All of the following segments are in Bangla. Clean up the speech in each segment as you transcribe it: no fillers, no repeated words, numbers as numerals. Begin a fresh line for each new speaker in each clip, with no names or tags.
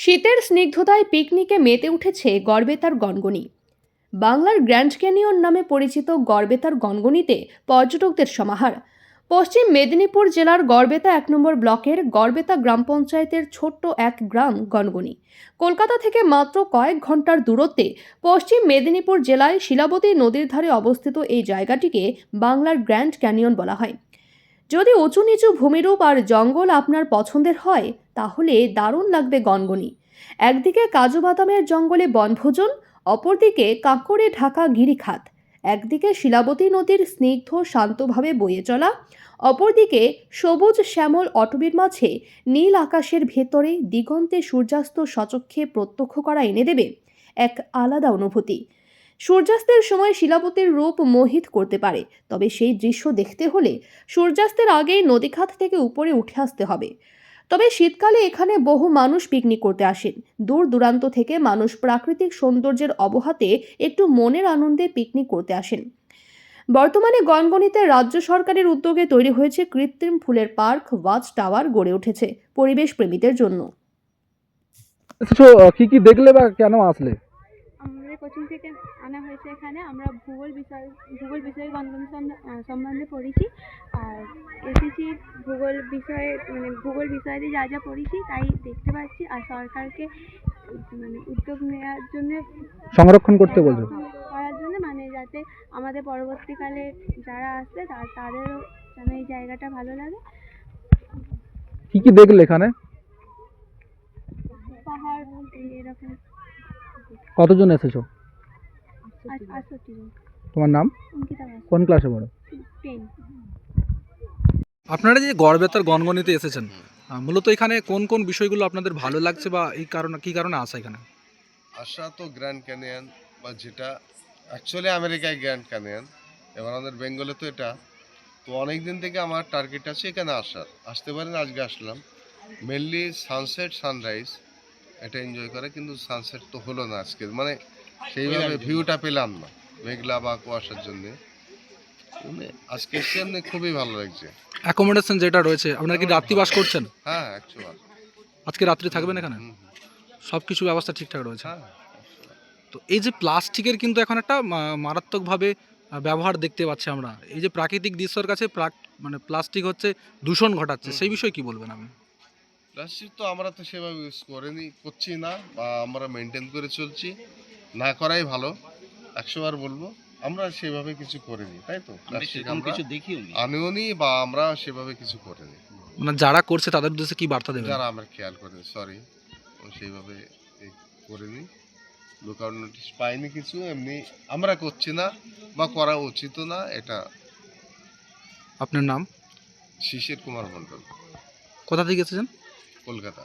শীতের স্নিগ্ধতায় পিকনিকে মেতে উঠেছে গড়বেতার গনগনি। বাংলার গ্র্যান্ড ক্যানিয়ন নামে পরিচিত গড়বেতার গনগনিতে পর্যটকদের সমাহার। পশ্চিম মেদিনীপুর জেলার গড়বেতা 1 নম্বর ব্লকের গড়বেতা গ্রাম পঞ্চায়েতের ছোট্ট এক গ্রাম গনগনি। কলকাতা থেকে মাত্র কয়েক ঘন্টার দূরত্বে পশ্চিম মেদিনীপুর জেলায় শিলাবতী নদীর ধারে অবস্থিত এই জায়গাটিকে বাংলার গ্র্যান্ড ক্যানিয়ন বলা হয়। যদি উঁচু নিচু ভূমিরূপ আর জঙ্গল আপনার পছন্দের হয় তাহলে দারুণ লাগবে গনগনি। একদিকে কাজু বাদামের জঙ্গলে বনভোজন, অপরদিকে কাঁকড়ে ঢাকা গিরিখাত। একদিকে শিলাবতী নদীর স্নিগ্ধ শান্তভাবে বয়ে চলা, অপরদিকে সবুজ শ্যামল অটবীর মাঝে নীল আকাশের ভেতরে দিগন্তে সূর্যাস্ত সচক্ষে প্রত্যক্ষ করা এনে দেবে এক আলাদা অনুভূতি। সূর্যাস্তের সময় শিলাবতীর রূপ মোহিত করতে পারে, তবে সেই দৃশ্য দেখতে হলে সূর্যাস্তের আগেই নদীখাত থেকে উপরে উঠে আসতে হবে। তবে শীতকালে এখানে বহু মানুষ পিকনিক করতে আসেন। দূর দূরান্ত থেকে মানুষ প্রাকৃতিক সৌন্দর্যের অবহাতে একটু মনের আনন্দে পিকনিক করতে আসেন। বর্তমানে গনগনিতে রাজ্য সরকারের উদ্যোগে তৈরি হয়েছে কৃত্রিম ফুলের পার্ক, ওয়াচ টাওয়ার গড়ে উঠেছে পরিবেশ প্রেমীদের জন্য।
তো কি কি দেখলে বা কেন আসলে?
আমাদের কোচিং থেকে আনা হয়েছে এখানে। আমরা ভূগোল বিষয়ে গণতন্ত্র সম্বন্ধে পড়েছি, আর এসেছি ভূগোল বিষয়ে দিয়ে যা যা পড়েছি তাই দেখতে পাচ্ছি। আর সরকারকে উদ্যোগ নেওয়ার জন্য,
সংরক্ষণ করতে বলছো?
করার জন্য, যাতে আমাদের পরবর্তীকালে যারা আসবে তাদেরও যেন এই জায়গাটা ভালো লাগে।
কি কি দেখলে এখানে?
পাহাড়, এরকম।
কতজন এসেছো?
68 জন।
তোমার নাম?
অঙ্কিতা বাস,
কোন ক্লাসে পড়ো?
10।
আপনারা যে গড়বেতার গনগনিতে এসেছেন, মূলত এখানে কোন কোন বিষয়গুলো আপনাদের ভালো লাগছে বা এই কারণে কি কারণে আসা এখানে?
আসা তো গ্র্যান্ড ক্যানিয়ন, বা যেটা অ্যাকচুয়ালি আমেরিকায় গ্র্যান্ড ক্যানিয়ন, এবার আমাদের বেঙ্গলে তো এটা। তো অনেক দিন থেকে আমার টার্গেট আছে এখানে আসতে পারেন, আজকে আসলাম। মেনলি সানসেট সানরাইজ এটা এনজয় করে, কিন্তু সানসেট তো হলো না আজকে, সেইভাবে ভিউটা পেলাম না, মেঘলা বা কুয়াশার জন্য। আজকে এসে এমনি খুবই ভালো লাগছে।
অ্যাকোমোডেশন যেটা রয়েছে, আপনারা কি রাত্রি বাস করছেন?
হ্যাঁ, অ্যাকচুয়াল
আজকে রাত্রি থাকবেন এখানে? সব কিছু ব্যবস্থা ঠিকঠাক রয়েছে?
হ্যাঁ।
তো এই যে প্লাস্টিকের কিন্তু এখন একটা মারাত্মকভাবে ব্যবহার দেখতে পাচ্ছি আমরা। এই যে প্রাকৃতিক দৃশ্যের কাছে প্লাস্টিক হচ্ছে দূষণ ঘটাচ্ছে, সেই বিষয়ে কি বলবেন আপনি?
প্লাস্টিক তো আমরা তো সেভাবে ইউজ করছি না, বা আমরা মেনটেন করে চলছি, না করাই ভালো। 100 বার বলবো, আমরা সেভাবে কিছু করিনি, তাই তো? প্লাস্টিক আমরা কিছু আনিওনি, বা আমরা সেভাবে কিছু করিনি।
যারা করছে তাদের উদ্দেশ্যে কি বার্তা দেবেন?
যারা আমরা খেয়াল করিনি, সরি, সেইভাবে করিনি, লুকআউট নোটিশ পাইনি কিছু, এমনি আমরা করছি না বা করা উচিত না এটা।
আপনার নাম?
শিশির কুমার মণ্ডল,
কোথা থেকে এসেছেন?
কলকাতা।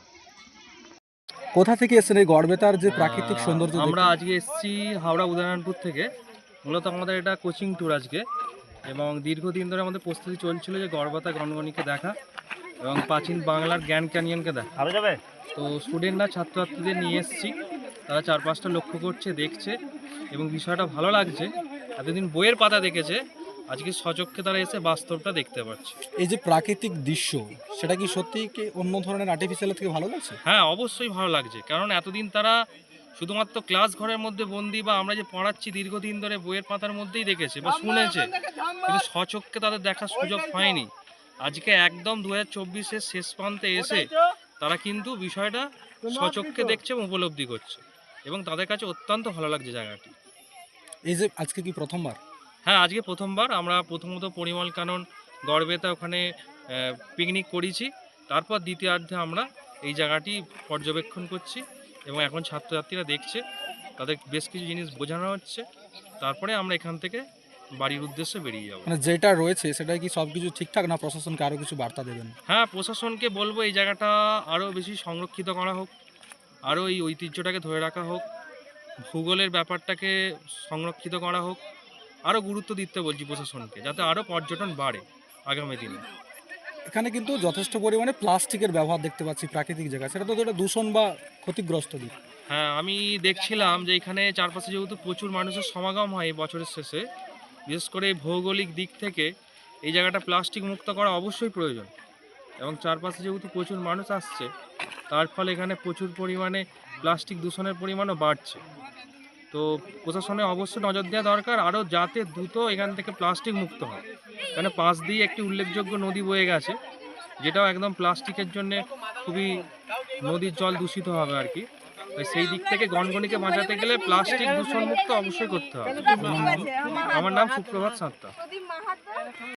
কোথা থেকে এসেছেন এই গড়বেতার যে প্রাকৃতিক সৌন্দর্য?
আমরা আজকে এসেছি হাওড়া উদয়নারায়ণপুর থেকে। মূলত আমাদের এটা কোচিং ট্যুর আজকে, এবং দীর্ঘদিন ধরে আমাদের প্রস্তুতি চলছিল যে গড়বেতা গনগনিকে দেখা এবং প্রাচীন বাংলার গ্র্যান্ড ক্যানিয়নকে দেখা যাবে। তো স্টুডেন্টরা ছাত্রছাত্রীদের নিয়ে এসেছি, তারা 4-5টা লক্ষ্য করছে, দেখছে, এবং বিষয়টা ভালো লাগছে। এতদিন বইয়ের পাতা দেখেছে, আজকে সচক্ষে তারা এসে বাস্তবটা দেখতে পাচ্ছে।
এই যে প্রাকৃতিক দৃশ্য, সেটা কি সত্যি কি অন্য ধরনের আর্টিফিশিয়াল থেকে ভালো লাগছে?
হ্যাঁ, অবশ্যই ভালো লাগছে, কারণ এতদিন তারা শুধুমাত্র ক্লাস ঘরের মধ্যে বন্দি, বা আমরা যে পড়াচ্ছি দীর্ঘদিন ধরে বইয়ের পাতার মধ্যেই দেখেছে বা শুনেছে, কিন্তু স্বচক্ষে তাদের দেখার সুযোগ হয়নি। আজকে একদম 2024-এর শেষ প্রান্তে এসে তারা কিন্তু বিষয়টা স্বচক্ষে দেখছে এবং উপলব্ধি করছে, এবং তাদের কাছে অত্যন্ত ভালো লাগছে জায়গাটি।
এই যে আজকে কি প্রথমবার?
হ্যাঁ, আজকে প্রথমবার। আমরা প্রথমত পরিমল কানন গড়বেতা ওখানে পিকনিক করেছি, তারপর দ্বিতীয়ার্ধে আমরা এই জায়গাটি পর্যবেক্ষণ করছি, এবং এখন ছাত্রছাত্রীরা দেখছে, তাদের বেশ কিছু জিনিস বোঝানো হচ্ছে, তারপরে আমরা এখান থেকে বাড়ির উদ্দেশ্যে বেরিয়ে যাব।
যেটা রয়েছে সেটা কি সব কিছু ঠিকঠাক, না প্রশাসনকে আরও কিছু বার্তা দেবেন?
হ্যাঁ, প্রশাসনকে বলবো এই জায়গাটা আরও বেশি সংরক্ষিত করা হোক, আরও এই ঐতিহ্যটাকে ধরে রাখা হোক, ভূগোলের ব্যাপারটাকে সংরক্ষিত করা হোক, আরও গুরুত্ব দিতে বলছি প্রশাসনকে, যাতে আরও পর্যটন বাড়ে আগামী দিনে।
এখানে কিন্তু যথেষ্ট পরিমাণে প্লাস্টিকের ব্যবহার দেখতে পাচ্ছি প্রাকৃতিক জায়গা, সেটা তো একটা দূষণ বা ক্ষতিগ্রস্ত দিক।
হ্যাঁ, আমি দেখছিলাম যে এখানে চারপাশে যেহেতু প্রচুর মানুষের সমাগম হয় বছরের শেষে, বিশেষ করে ভৌগোলিক দিক থেকে এই জায়গাটা প্লাস্টিক মুক্ত করা অবশ্যই প্রয়োজন। এবং চারপাশে যেহেতু প্রচুর মানুষ আসছে, তার ফলে এখানে প্রচুর পরিমাণে প্লাস্টিক দূষণের পরিমাণও বাড়ছে। তো প্রশাসনের অবশ্যই নজর দেওয়া দরকার, আরও যাতে দ্রুত এখান থেকে প্লাস্টিক মুক্ত হয়। এখানে পাশ দিয়ে একটি উল্লেখযোগ্য নদী বয়ে গেছে, যেটাও একদম প্লাস্টিকের জন্য খুবই নদীর জল দূষিত হবে আর কি। তাই সেই দিক থেকে গনগনিকে বাঁচাতে গেলে প্লাস্টিক দূষণ মুক্ত অবশ্যই করতে হবে। আমার নাম সুপ্রভাত সাঁতরা।